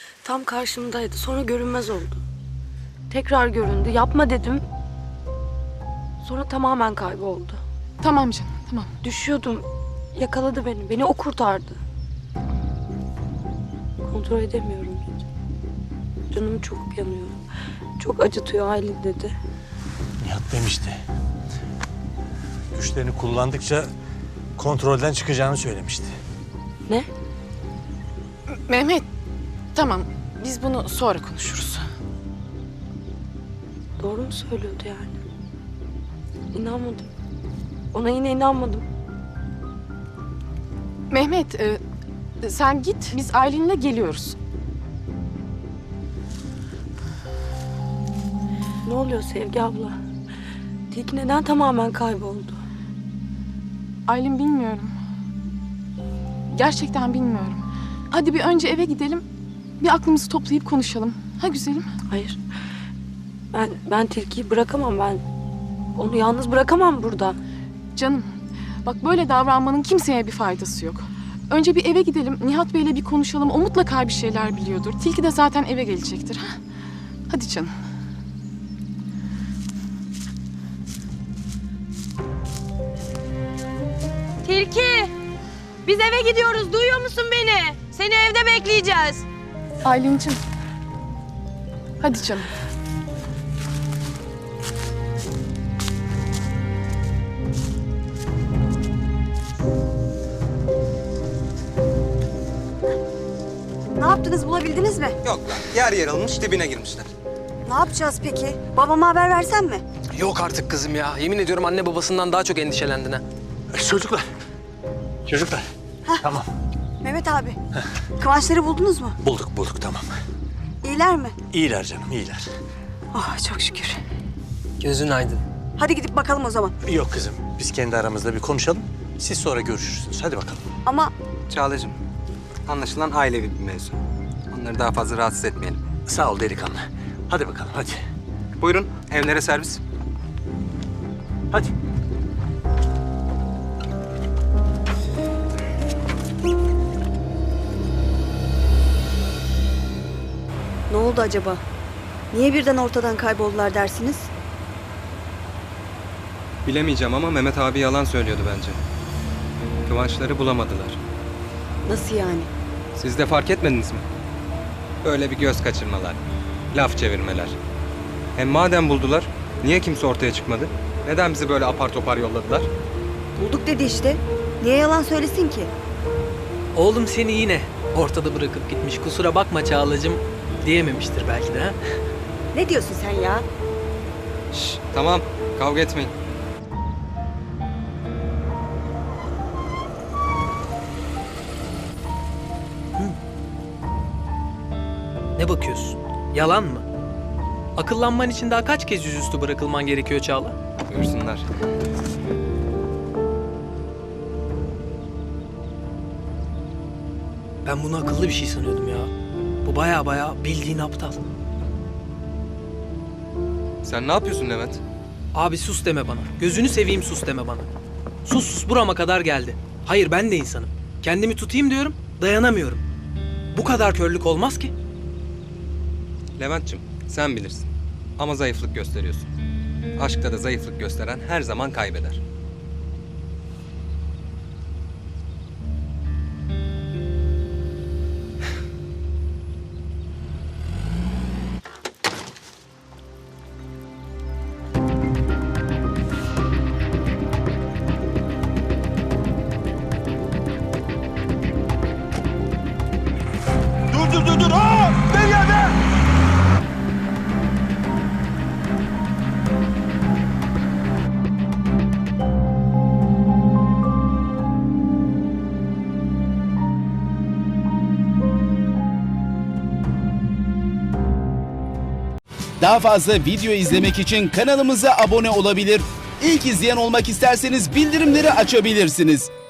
Tam karşımdaydı. Sonra görünmez oldu. Tekrar göründü. Yapma dedim. Sonra tamamen kayboldu. Tamam canım, tamam. Düşüyordum. Yakaladı beni. Beni o kurtardı. Kontrol edemiyorum hiç. Canım çok yanıyor. Çok acıtıyor Aylin dedi. Nihat demişti. Güçlerini kullandıkça kontrolden çıkacağını söylemişti. Ne? Mehmet, tamam. Biz bunu sonra konuşuruz. Doğru mu söylüyordu yani? İnanmadım. Ona yine inanmadım. Mehmet, sen git. Biz Aylin'le geliyoruz. Ne oluyor Sevgi abla? Tilki neden tamamen kayboldu? Aylin bilmiyorum. Gerçekten bilmiyorum. Hadi bir önce eve gidelim. Bir aklımızı toplayıp konuşalım. Ha güzelim? Hayır. Ben Tilki'yi bırakamam ben. Onu yalnız bırakamam burada. Canım, bak böyle davranmanın kimseye bir faydası yok. Önce bir eve gidelim. Nihat Bey'le bir konuşalım. O mutlaka bir şeyler biliyordur. Tilki de zaten eve gelecektir. Ha? Hadi canım. Tilki! Biz eve gidiyoruz. Duyuyor musun beni? Seni evde bekleyeceğiz. Aylin'cim. Hadi canım. Ne yaptınız, bulabildiniz mi? Yok lan, yer yarılmış, dibine girmişler. Ne yapacağız peki? Babama haber versem mi? Yok artık kızım ya. Yemin ediyorum anne babasından daha çok endişelendin ha. Çocuklar. Çocuklar. Tamam. Mehmet abi, Kıvançları buldunuz mu? Bulduk tamam. İyiler mi? İyiler canım iyiler. Oh çok şükür. Gözün aydın. Hadi gidip bakalım o zaman. Yok kızım biz kendi aramızda bir konuşalım. Siz sonra görüşürsünüz. Hadi bakalım. Ama Çağla'cığım, anlaşılan ailevi bir mevzu. Onları daha fazla rahatsız etmeyelim. Sağ ol delikanlı. Hadi bakalım hadi. Buyurun, evlere servis. Hadi. ne oldu acaba? Niye birden ortadan kayboldular dersiniz? Bilemeyeceğim ama Mehmet abi yalan söylüyordu bence. Kıvançları bulamadılar. Nasıl yani? Siz de fark etmediniz mi? Böyle bir göz kaçırmalar, laf çevirmeler. Hem madem buldular, niye kimse ortaya çıkmadı? Neden bizi böyle apar topar yolladılar? Bulduk dedi işte. Niye yalan söylesin ki? Oğlum seni yine ortada bırakıp gitmiş. Kusura bakma Çağlacığım diyememiştir belki de ha. Ne diyorsun sen ya? Şşş, tamam, kavga etmeyin. Ne bakıyorsun? Yalan mı? Akıllanman için daha kaç kez yüzüstü bırakılman gerekiyor Çağla? Buyursunlar. Ben bunu akıllı bir şey sanıyordum ya. Bu baya bildiğin aptal. Sen ne yapıyorsun Levent? Abi sus deme bana. Gözünü seveyim sus deme bana. Sus burama kadar geldi. Hayır ben de insanım. Kendimi tutayım diyorum, dayanamıyorum. Bu kadar körlük olmaz ki. Levent'cim, sen bilirsin. Ama zayıflık gösteriyorsun. Aşkta da zayıflık gösteren her zaman kaybeder. Dur. Aa! Ver ya ver! Daha fazla video izlemek için kanalımıza abone olabilir. İlk izleyen olmak isterseniz bildirimleri açabilirsiniz.